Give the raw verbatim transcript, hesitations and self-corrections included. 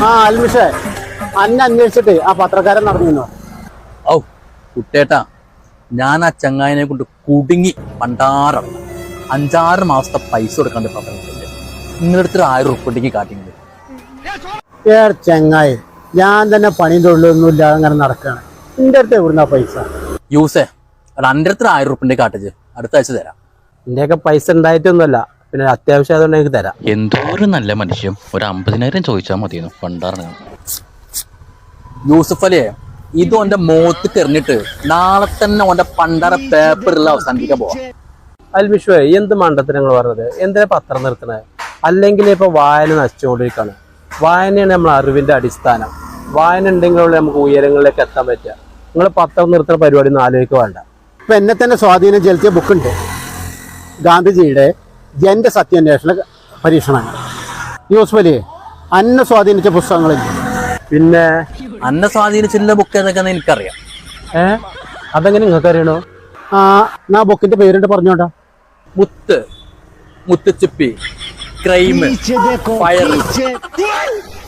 ആ അൽമിഷേ, അന്നെ അന്വേഷിച്ചിട്ട് ആ പത്രക്കാരൻ നടന്നിരുന്നോ? ഔ കുട്ടേട്ടാ, ഞാൻ ആ ചങ്ങായിനെ കൊണ്ട് കുടുങ്ങി പണ്ടാറം അഞ്ചാറ് മാസത്തെ പൈസ കൊടുക്കാണ്ട് പറഞ്ഞിട്ടുണ്ട്. നിങ്ങളടുത്തൊരു ആയിരം ഉറുപ്പ് ഉണ്ടെങ്കിൽ കാട്ടിങ്ങണ്ട്. ഏ ചങ്ങായി, ഞാൻ തന്നെ പണിയും തൊഴിലൊന്നും ഇല്ലാതെ അങ്ങനെ നടക്കാണ്. നിന്റെ അടുത്ത് എവിടുന്ന പൈസ? യൂസേ, അത് എൻ്റെ അടുത്തൊരു ആയിരം ഉറുപ്പ് ഉണ്ടെങ്കിൽ കാട്ടിച്ച് അടുത്ത ആഴ്ച തരാം. നിന്റെയൊക്കെ പൈസ ഉണ്ടായിട്ടൊന്നുമല്ല, പിന്നെ അത്യാവശ്യം അതുകൊണ്ട് എനിക്ക് തരാം. എന്തോ ഒരു നല്ല മനുഷ്യൻ, ഒരു അമ്പതിനായിരം ചോദിച്ചാൽ മതിയെന്നു പണ്ടാറിന്. യൂസഫ് അലിയെ, ഇത് ഓന്റെ മുഖത്ത് തെറിഞ്ഞിട്ട് നാളെ തന്നെ ഓന്റെ പണ്ടാറ പേപ്പറിൽ അവസാനിപ്പിക്കാൻ പോവാം. അൽമിഷേ, എന്ത് മണ്ടത്തിനങ്ങൾ പറഞ്ഞത്? എന്തിനാ പത്രം നിർത്തണത്? അല്ലെങ്കിൽ ഇപ്പൊ വായന നശിച്ചുകൊണ്ടിരിക്കുകയാണ്. വായനയാണ് നമ്മൾ അറിവിന്റെ അടിസ്ഥാനം. വായന ഉണ്ടെങ്കിലുള്ള നമുക്ക് ഉയരങ്ങളിലേക്ക് എത്താൻ പറ്റുക. നിങ്ങൾ പത്രം നിർത്തുന്ന പരിപാടി ഒന്നും ആലോചിക്കുക വേണ്ട. ഇപ്പൊ എന്നെ തന്നെ സ്വാധീനം ചെലുത്തിയ ബുക്കുണ്ട്, ഗാന്ധിജിയുടെ ജന്റെ സത്യാന്വേഷണ പരീക്ഷണങ്ങൾ. യൂസഫ് അലി, അന്നെ സ്വാധീനിച്ച പുസ്തകങ്ങളില്ല. പിന്നെ അന്നെ സ്വാധീനിച്ചിട്ടുള്ള ബുക്ക് ഏതൊക്കെയാന്ന് എനിക്കറിയാം. ഏ അതെങ്ങനെ നിങ്ങൾക്ക് അറിയണോ? ആ എന്നാ ബുക്കിന്റെ പേരിട്ട് പറഞ്ഞോട്ടാ. മുത്ത്, മുത്തുച്ചിപ്പി, ക്രൈം, ഫയർ.